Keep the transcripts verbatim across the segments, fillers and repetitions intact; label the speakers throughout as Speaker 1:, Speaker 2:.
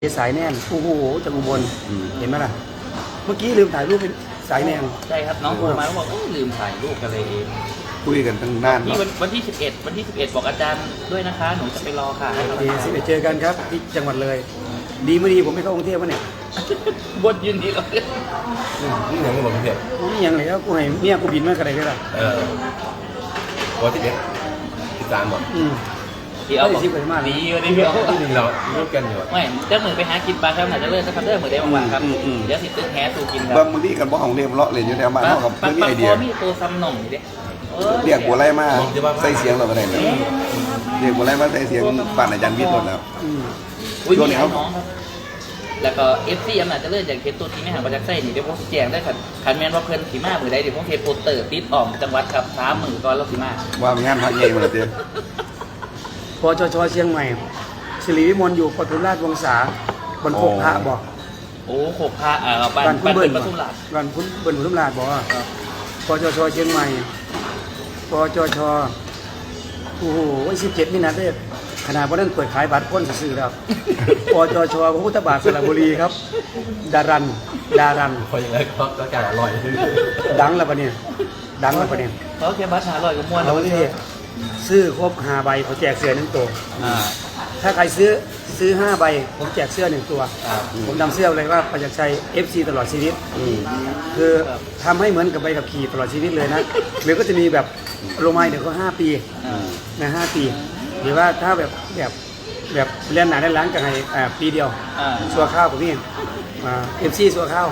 Speaker 1: สายแน่นโอ้โหจากอุบลเห็นไหมล่ะเมื่อกี้ลืมถ่ายรูปเป็นสายแน่น
Speaker 2: ใช่ครับน้องโทรมาแล้วบอกลืมถ่ายรูปกันเลยเอง
Speaker 3: คุยกันตั้งนาน
Speaker 2: ที่วันที่สิบเอ็ดวันที่สิบเอ็ดบอกอาจารย์ด้วยนะคะหนูจะไปรอค่ะ
Speaker 1: ดีสิไปเจอกันครับที่จังหวัดเลยดีไม่ดีผมไม่เข้ากรุงเทพวะเนี่ย
Speaker 2: บนยืนดีเลย
Speaker 3: นี่ยังไม่หมดเพียบ
Speaker 1: นี่ยังเลยก็กูให้เมียกูบินมากันเลยได้หรอ
Speaker 3: เออวันที่เด็กที่สามหมด
Speaker 2: ที่เอาบอกดีวันนี้พี่เอา
Speaker 3: ที่เราลูกกันอยู่
Speaker 2: ไม่เจ้าหมือไปหากินปลาครับหนาจะเลิกสักครั้งเด้อเหมือนเดิมวันครับเดี๋ยวสิตึ้งแฮสูกินครับ
Speaker 3: บางมื้อนี้กันบ่ของเรียมเลาะเลยอยู่แถวบ้านเฮากับไม่มีไอเดีย
Speaker 2: มีตัวซ้ำหน่องอยู่ดิ
Speaker 3: เรียกบัวไล่มาใส่เสียงเราก็ได้เนี่ยเรียกบัวไล่มาใส่เสียงปั่นอาจารย์วิทย์หมดแล้ว
Speaker 2: ช่วงนี้ครับแล้วก็เอฟซีอำนาจจะเลิกอย่างเคสตัวที่ไม่ห่างประจักษ์ไส้นี่เดี๋ยวผมแจงได้ขันขันแมนว่าเพิ่นสีมามือใดเดี๋ยวผมเทโปเตอร์ติดอ่อมจังหวัดครับสามหมื่นก่อนแล้วสีมา
Speaker 3: ว่ามีงานพักใหญ่มาเลยเตี้ย
Speaker 1: ปจชเชียงใหม่สิริวิมลอยู่ปทุมราชวงศาบนโคกพระบอก
Speaker 2: โอ้โคกพระอ่าบ้านบ้านปทุมราช
Speaker 1: บ้านคุณเบิ้ลปทุมราชบอกว่าปจชเชียงใหม่ปจชโอ้โหสิบเจ็ดมินาเทศขนาดวันนั้นเปิดขายบัตรพ้นสื่อแล้วปจชพระพุทธบาทสระบุรีครับดารันดารัน
Speaker 3: พออย่างไรก็ก็การอร่อย
Speaker 1: ดังแล้วปะเนี่ยดังแล้วปะเนี่ย
Speaker 2: เขาแค่บัตรหาอร่อยกับม้วน
Speaker 1: แล้วที่ซื้อครบห้าใบเขาแจกเสื้อหนึ่งตัวถ้าใครซื้อซื้อห้าใบผมแจกเสื้อหนึ่งตัวผมนำเสื้อเลยว่าประจักษ์ชัย เอฟ ซี ตลอดชีวิตคือทำให้เหมือนกับใบขับขี่ตลอดชีวิตเลยนะหรือก็จะมีแบบโรไมเดี๋ยวก็ห้าปีนะห้าปีหรือว่าถ้าแบบแบบแบบเรียนหนาได้ล้างกันให้ปีเดียวสัวข้าวกับนี่เอฟซีสัวข้าว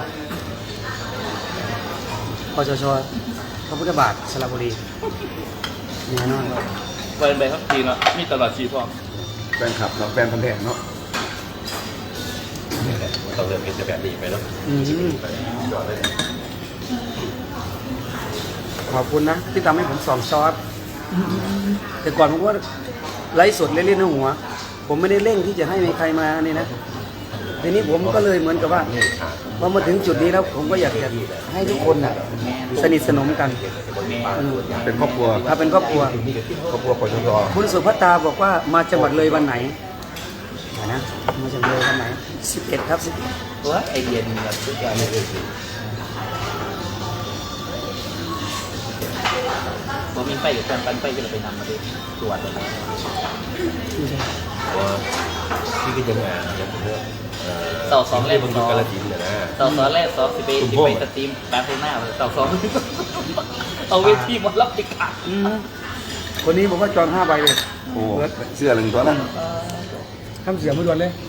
Speaker 1: ปจชพระพุทธบาทสระบุรีแน่นอน
Speaker 2: แฟนใบครับทีเนาะมีตลอดชีพ
Speaker 3: แฟนคลับเนาะแฟนพันธุ์แท้เนาะนี่แหละต้องเริ่มเป็นแบบนี้ไปเนาะ
Speaker 1: ขอบคุณนะที่ทำให้ผมสองซอสแต่ก่อนผมว่าไลฟ์สดเล่นๆในหัวผมไม่ได้เร่งที่จะให้มีใครมานี่นะทีนี้ผมก็เลยเหมือนกับว่าพอมาถึงจุดนี้แล้วผมก็อยากจะให้ทุกคนน่ะสนิทสนมกัน
Speaker 3: เป็นครอบครัว
Speaker 1: ถ้าเป็นครอบครัว
Speaker 3: ครอบครัวปจช
Speaker 1: คุณสุภัตตาบอกว่ามาจังหวัดเลยวันไหนนะมาจังหวัดเลยวันไหนสิบเอ็ดครับสิบเอ็ด
Speaker 2: ตัวไอเดียดีแบบทุกอย่างเลยผมมีไฟกับแฟนปันไฟก็เลยไปนำมาด้วยตรวจเลย
Speaker 3: ที่ก็จะมาอย่างเงี้ย
Speaker 2: ต่อสองแรก
Speaker 3: สอง
Speaker 2: ต่อสองแรกสองสิบเอ็ดสิบเอ็ดสตรีมแบงค์โทน่าต่อสองเอาเวทีมารับติดขัด
Speaker 1: คนนี้ผมว่าจองห้าใบเลย
Speaker 3: โอ้เสื้อหนึ่งตัวนั้น
Speaker 1: ทำเสียงไม่ด่วนเลย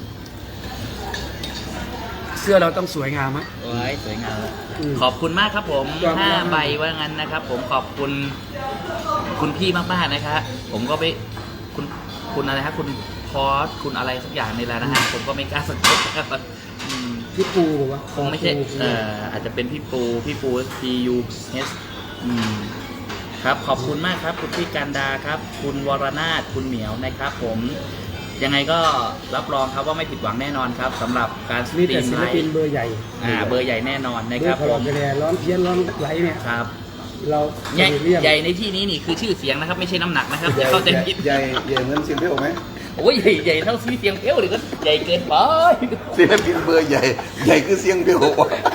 Speaker 1: เสื้อเราต้องสวยงามไหม
Speaker 2: โอ้ยสวยงามขอบคุณมากครับผมห้าใบว่างั้นนะครับผมขอบคุณคุณพี่มากๆนะครับผมก็ไปคุณคุณอะไรครับคุณพอสคุณอะไรสักอย่างในแล้วนะฮะผมก็ไม่กล้าสนใจครับ
Speaker 1: พี่ปูบอกว่า
Speaker 2: คงไม่ใช่เอ่ออาจจะเป็นพี่ปูพี่ปู P U S อืมครับขอบคุณมากครับคุณพี่การดาครับคุณวรนาถคุณเหมียวนะครับผมยังไงก็รับรองครับว่าไม่ผิดหวังแน่นอนครับสำหรับการสตรีม
Speaker 1: ไลฟ์เบอร์ใหญ่
Speaker 2: อ่าเบอร์ใหญ่แน่นอนนะครับ
Speaker 1: ผมร้อนเพี้ยนร้อนไหลเนี่ย
Speaker 2: ครับ
Speaker 1: เรา
Speaker 2: ใหญ่ใหญ่ในที่นี้นี่คือชื่อเสียงนะครับไม่ใช่น้ำหนักนะครับอย่าเข้าใจผิด
Speaker 3: ใหญ่ใหญ่เหมือนเสียงเพี้ยวไหม
Speaker 2: โอ้ยใหญ่ใหญ่เท่าซีเสียงเพี้ยวเลยก็ใหญ่เกินไป
Speaker 3: เสียงพินเบอร์ใหญ่ใหญ่คือเสียงเพี้ยว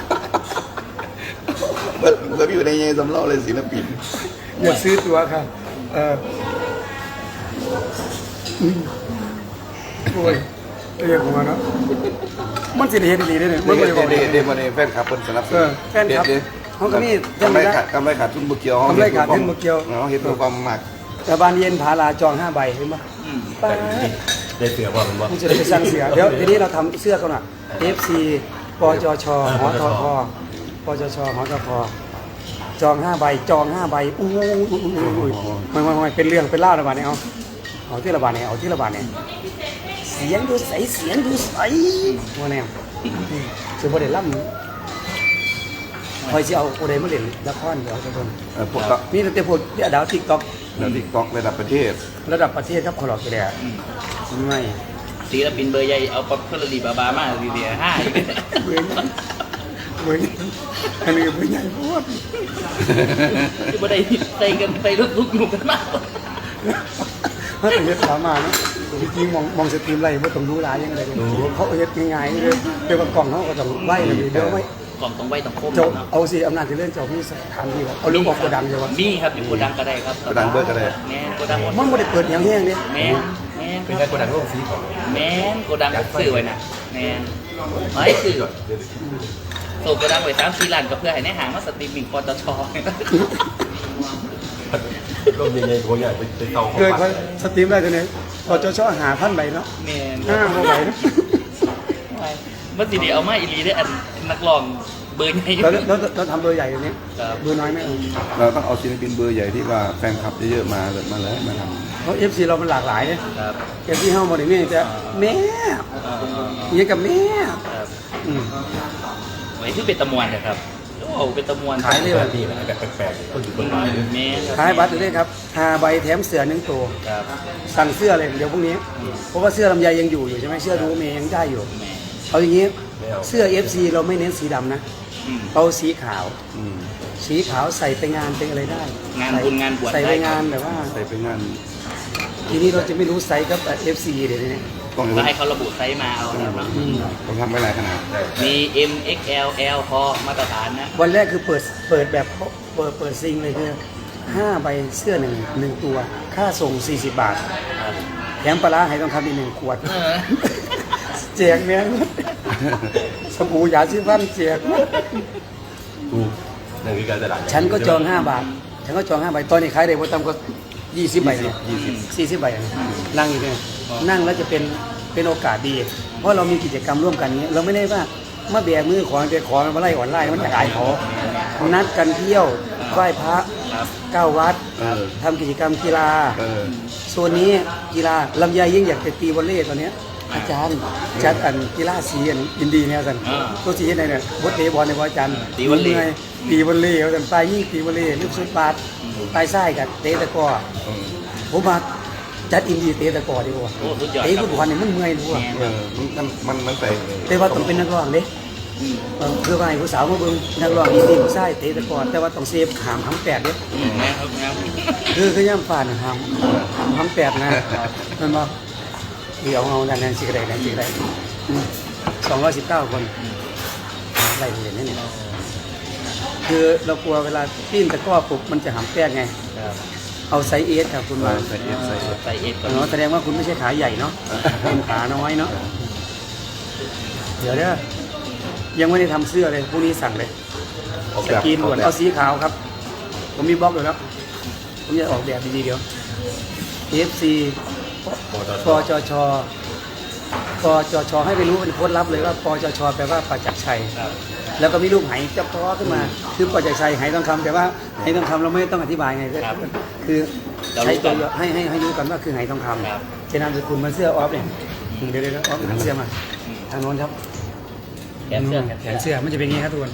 Speaker 3: มันมันอยู่ในใหญ่สำเล่าเลยศิลปิน
Speaker 1: อยากซื้อตัวค่ะเออโอ้ยเรียกผมมาเนาะมันสิเห็นดีได้เลย
Speaker 3: มันไม่ได้บอกเดี๋ยวมาในแฟนคลับคนสนับสนุน
Speaker 1: แฟนคลับเขาก็นี่
Speaker 3: ทำไรขาดทำไรขาดทุนบุกเกียว
Speaker 1: ทำไรขาดทุนบุกเกียว
Speaker 3: เขาเห็นตัวความหมัก
Speaker 1: แต่บานเย็นผาลาจองห้าใบเห็นไหม
Speaker 3: ได้เสือบ่เป็นบ่
Speaker 1: คุณจะได้ไปสร้างเสือเดี๋ยวทีนี้เราทำเสื้อกันหน่ะ เอฟ ซี ปจช หทพ ปจช หทพ จองห้าใบจองห้าใบอู้ยไม่ไม่ไม่เป็นเรื่องเป็นเล่าระบาดเนี่ยเอาเอาที่ระบาดเนี่ยเอาที่ระบาดเนี่ยเสียงดูใสเสียงดูใสว่าแนวคือประเด็นล่ำคอยจะเอาประเด็นมาเล่นละครเดี๋ยวจะโดนนี่แต่พวกที่ดาวติ๊กต็อก
Speaker 3: ดาวติ๊กต็อกระดับประเทศ
Speaker 1: ระดับประเทศครับขอหลอกแกเลยไม่
Speaker 2: ศิลปินเบอร์ใหญ่เอาป๊อปคอร์นรีบาบามาดีเดียห้า
Speaker 1: เว้ยเว้ยอันนี้เบอร์ใหญ่โคตร
Speaker 2: ที่บันไดใส่กันใส่ลุกลุกอยู่กันมาก
Speaker 1: ถ้าถึงจะถามมาเนาะจริงๆมองมองสตรีมไรว่าต้องรู้ร้ายยังไงเลยเขาเฮ็ดง่ายๆเลยเดี๋ยวกับกล่องเขาก็ต้องไหวเลยเดี๋ยวไม่
Speaker 2: กล่องต้องไว้ต้องคม
Speaker 1: เจ้า
Speaker 2: เนาะ
Speaker 1: เอาสิอำนาจที่เล่นเจ้าพี่สถานที่ครับเอาลูกออกกระดังเลยวะ
Speaker 2: มีครับอยู่โกดังก็ได้ครับ
Speaker 3: กระดังเบิร์ก็ได้
Speaker 2: แม่นโกดังหมด
Speaker 1: มันไม่ได้เปิดอย่างแห้งเนี่ย
Speaker 2: แม่นแม่น
Speaker 4: เป็นการกดดันโลกสีของ
Speaker 2: แม่นโกดังซื้อไว้น่ะแม่นไว้ซื้อส่งโกดังไว้สามสี่ล้านก็เพื่อให้ในห้างมาสตรีมมิ่งปตท
Speaker 4: ร่มใหญ่ๆหัวใหญ่ไปไปเตา
Speaker 1: เคยเขาสตรีมได้ตัวนี้พอจะชอบหาพันใบเนาะ
Speaker 2: แม่น
Speaker 1: ห้าพันใบเนาะ
Speaker 2: มันสิเดีเอามาอีหลีได้อันนักร้องเบอร์ใหญ่อยู่
Speaker 1: เราเราเราทำเบอร์ใหญ่ตัวนี้
Speaker 2: ครับ
Speaker 1: เบอร์น้อยไม่เอา
Speaker 3: เราต้องเอาศิลปินเบอร์ใหญ่ที่ว่าแฟนคลับเยอะๆมาเลยมาเลยมาท
Speaker 1: เพราะเอฟซีเรามันหลากหลายเนี่ย
Speaker 2: ครับ
Speaker 1: เอฟซีเฮาหมดเลยนี่แต่แม่
Speaker 2: เอ่อ
Speaker 1: อยังกับแม่
Speaker 2: ครับ
Speaker 1: อืม
Speaker 2: ไว้ที่เป็นตะมวนนะครับโอ้เป็นตะมวน
Speaker 1: ขายเลย
Speaker 4: แบบนี้นะแบบแปลกๆคนอยู่บนไม้เลย
Speaker 2: แม่ครับ
Speaker 1: ขายบัตรเลยครับหาใบแถมเสือหนึ่งตัว
Speaker 2: ครับ
Speaker 1: สั่งเสื้อเลยเดี๋ยวพรุ่งนี้ เพราะว่าเสื้อลำไยยังอยู่อยู่ใช่ไหมเสื้อดูเมย์ยังได้อยู่
Speaker 2: แม่
Speaker 1: เอาอย่างนี้
Speaker 4: ไม่เอา
Speaker 1: เสื้อ เอฟ ซี เราไม่เน้นสีดำนะ
Speaker 2: อืม
Speaker 1: เอาสีขาว
Speaker 3: ำอืม
Speaker 1: สีขาวใส่ไปงานเป็นอะไรได้
Speaker 2: งานบุญงานบวช
Speaker 1: ใส่ไป
Speaker 2: ได้
Speaker 1: งานแบบว่า
Speaker 3: ใส่ไปงาน
Speaker 1: ทีนี้เราจะไม่รู้ไซส์กับ เอฟ ซี เดี๋ยวนี้
Speaker 3: ต้อง
Speaker 2: ก็ให้เขาระบุไซส์มาเอาครับเนาะ
Speaker 1: อืม
Speaker 3: ต้องทำไว้หลายขนาด
Speaker 2: มี M X L L พอมาตรฐานนะ
Speaker 1: วันแรกคือเปิดเปิดแบบเปิดเปิดซิงเลยคือห้าใบเสื้อหนึ่งหนึ่งตัว ค่าส่งสี่สิบบาท
Speaker 2: ครับ
Speaker 1: แถมปลาร้าให้ต้องคำอีกหนึ่งขวด
Speaker 2: เออ
Speaker 1: แจกแม่งสบู่ยาสีฟันแจก
Speaker 4: กูนั่นคือการตลาด
Speaker 1: ฉันก็จองห้าบาท ฉันก็จองห้าใบ ตอนนี้ขายได้บ่ต่ำกว่ายี่สิบใบเนี่ย
Speaker 3: ยี่สิบ
Speaker 1: สี่สิบใบเนี่ยนั่งอยู่เนี่ยนั่งแล้วจะเป็นเป็นโอกาสดี เพราะเรามีกิจกรรมร่วมกันเนี้ยเราไม่ได้ว่ามาแบกมือขอไปขอมาไล่อ่อนไล่มันจะอายเขานัดกันเที่ยวไหว้พระ
Speaker 2: ครับ
Speaker 1: เก้าวัด
Speaker 3: เออ
Speaker 1: ทำกิจกรรมกีฬา
Speaker 3: เออ
Speaker 1: โซนนี้กีฬาลำไยยิ่งอยากจะตีวอลเลย์ตอนเนี้ยอาจารย์จัดอันกีฬาสีอันอินดีเนี่ยสัน
Speaker 2: อ่า
Speaker 1: ตัวสีไหนเนี่ยบดเตะบอลในวอาจารย์
Speaker 2: ตีวอลเลย์
Speaker 1: หนื่อตีวอลเลย์เอาสันปลายยิ่งตีวอลเลย์ลูกสุดบาสปลายไส้กับเตะตะกร้อ
Speaker 3: เออ
Speaker 1: ผมมาจัดอินดีเตะตะกร้อดีกว่า
Speaker 2: โอ้สุดยอด
Speaker 1: เตะ
Speaker 2: ครั
Speaker 1: ฟุ
Speaker 2: บ
Speaker 1: ตบอลเนี่ยมันเมื่อยดูอ่ะ
Speaker 2: แม่
Speaker 3: เออมันมันมันใส่
Speaker 1: แต่ว่าต้องเป็นนักร้องเด้
Speaker 2: อืม
Speaker 1: เออคือว่าให้ผู้สาวมาเบิ่งนักร้องอินดีผู้ชายเตะตะกร้อแต่ว่าต้องเซฟขามหำแปดเด้
Speaker 2: อืมแม่ครับแม่ครับ
Speaker 1: คือคือย่ำฟ้าน่ะหำหำแปดนะมันบ่เดี๋ยวเอาดันนั้นสิกระไดนั่นสิกระไดสองร้อยสิบเก้าคนอะไรเห็นนี่เนี่ยคือเรากลัวเวลาปิ้นตะกร้อปุ๊บมันจะหำแปดไง
Speaker 2: ครับ
Speaker 1: เอาไซส์เอสครับคุณมา
Speaker 3: ใส่เอฟใส่เอฟ
Speaker 2: ใส่เอฟก่อน
Speaker 1: เนาะแสดงว่าคุณไม่ใช่ขาใหญ่เนาะเป็นขาน้อยเนาะเดี๋ยวเด้อยังไม่ได้ทำเสื้อเลยพรุ่งนี้สั่งเลย
Speaker 3: ออก
Speaker 1: ส
Speaker 3: แบบ
Speaker 1: กรีน
Speaker 3: อ
Speaker 1: ด่
Speaker 3: อ
Speaker 1: ว
Speaker 3: ก
Speaker 1: น
Speaker 3: แบบ
Speaker 1: เอาสีขาวครับ ผมมีบล็อกอยู่แล้ว ผมจะออกแบบดีๆเดี๋ยว เอฟ ซี ปจช ปจช ให้ไปรู้เป็นโค้ดลับเลยว่า ปจช แปลว่าประจักษ์ชัย
Speaker 2: ครับ
Speaker 1: แล้วก็มีรูปไหจับท้อขึ้นมา คือประจักษ์ชัยไหทองคำแต่ว่าไหทองคำเราไม่ต้องอธิบายไง
Speaker 2: ครับ
Speaker 1: คือ
Speaker 2: เรารู้
Speaker 1: ใช้
Speaker 2: ก่
Speaker 1: ตั
Speaker 2: อ
Speaker 1: วน ให้ให้ให้รู้กันว่าคือไหทองค
Speaker 2: ครับ
Speaker 1: ำเจนามสกุลมันเสื้อออฟเนี่ยอืมเดี๋ยวเดี๋ยวออฟหันเสื้อมา ทางโน้นครับ
Speaker 2: แขนเสื้อ
Speaker 1: แขนเสื้อมันจะเป็นอย่างนี้ครับทุกคน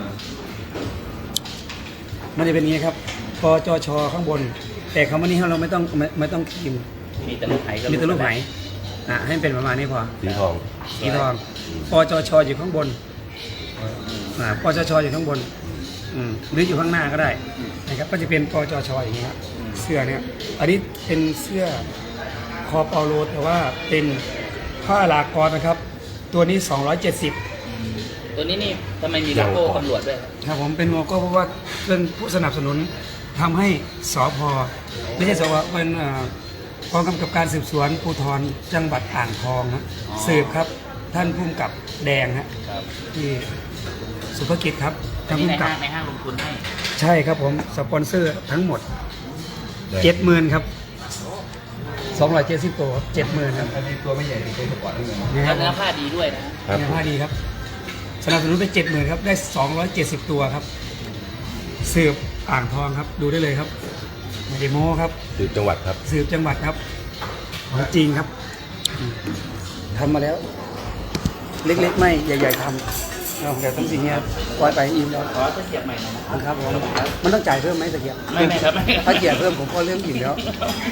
Speaker 1: มันจะเป็นอย่างนี้ครับ ปจช ข้างบน แต่คำว่านี้เราไม่ต้องไม่ไม่ต้องพิมพ์
Speaker 2: มีแต่ลูกไหก็
Speaker 1: มีแต่รูปไหมอ่ะให้มันเป็นประมาณนี้พอ
Speaker 4: สีทอง
Speaker 1: สีทอง ปจช อยู่ข้างบน อ่า ปจช อยู่ข้างบน อืมหรืออยู่ข้างหน้าก็ได้นะครับ ก็จะเป็นปจช อย่างนี้ครับ เสื้อเนี่ย อันนี้เป็นเสื้อคอเปาโลแต่ว่าเป็นผ้าลากรนะครับ ตัวนี้ สองร้อยเจ็ดสิบ
Speaker 2: ตัวนี้นี่ทำไมมีโลโก้ตำรวจด้วย
Speaker 1: ครับผมเป็นโลโก้เพราะว่าเป็นผู้สนับสนุนทำให้สพไม่ใช่สพเป็นเอ่อกองกำกับการสืบสวนภูธรจังหวัดอ่างทองนะ
Speaker 2: อ๋อ
Speaker 1: สืบครับท่านผู้กำกับแดงฮะ
Speaker 2: ครับ
Speaker 1: ที่สุภกิจครับ
Speaker 2: อั
Speaker 1: ท่าน น
Speaker 2: นี้
Speaker 1: ผู้
Speaker 2: ใน
Speaker 1: กำกั
Speaker 2: ห้า
Speaker 1: บ
Speaker 2: งในห้างลงทุนให้
Speaker 1: ใช่ครับผมสปอนเซอร์ทั้งหมดเจ็ดหมื่นครับสองร้อยเจ็ดสิบตัวเจ็ดหมื่นครับ
Speaker 3: อันนี้ตัวไม่ใหญ่เป็นตัวก่อนนี่ไง
Speaker 1: นะค
Speaker 2: แล้
Speaker 1: รั
Speaker 2: ว
Speaker 1: บ
Speaker 2: เนื้อผ้าดีด้วยนะ
Speaker 4: ครับ
Speaker 1: เนี่ยผ้าดีครับสนับสนุนไปเจ็ดหมื่นครับได้สองร้อยเจ็ดสิบตัวครับสืบอ่างทองครับดูได้เลยครับไม่ได้โม้ครับ
Speaker 4: สืบจังหวัดครับ
Speaker 1: สืบจังหวัดครับของจริงครับอืมทำมาแล้ว เล็กๆ ไม่ใหญ่ๆทำเอาเดี๋ยวต้องสิ่งเงี้ยปล่อยไปอิ่มแล้ว
Speaker 2: ขอตะเกียบใหม่หน่อยนะ
Speaker 1: นะครับผมมันต้องจ่ายเพิ่มไหมตะเกียบ
Speaker 2: ไม่ไม่ครับไม่
Speaker 1: ถ้าเกียบเพิ่มผมก็เรื่องอิ่มแล้ว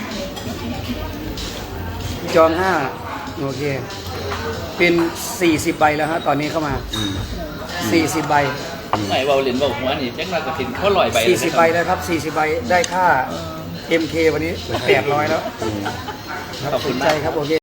Speaker 1: จองห้าโอเค เป็นสี่สิบใบแล้วฮะตอนนี้เข้ามา
Speaker 3: อืม
Speaker 1: สี่สิบใบ
Speaker 2: ไม่เบาเหรียญเบาหัวนี่แจ็คมากระถินเขาลอยใบ
Speaker 1: สี่สิบใบแล้วครับสี่สิบใบได้ค่า เอ็ม เค วันนี้แปดร้อยแล้ว
Speaker 3: อืม
Speaker 1: ครับ
Speaker 2: ขอบคุณ
Speaker 1: สน
Speaker 2: มา
Speaker 1: ใจ
Speaker 2: ก
Speaker 1: ครับโอเค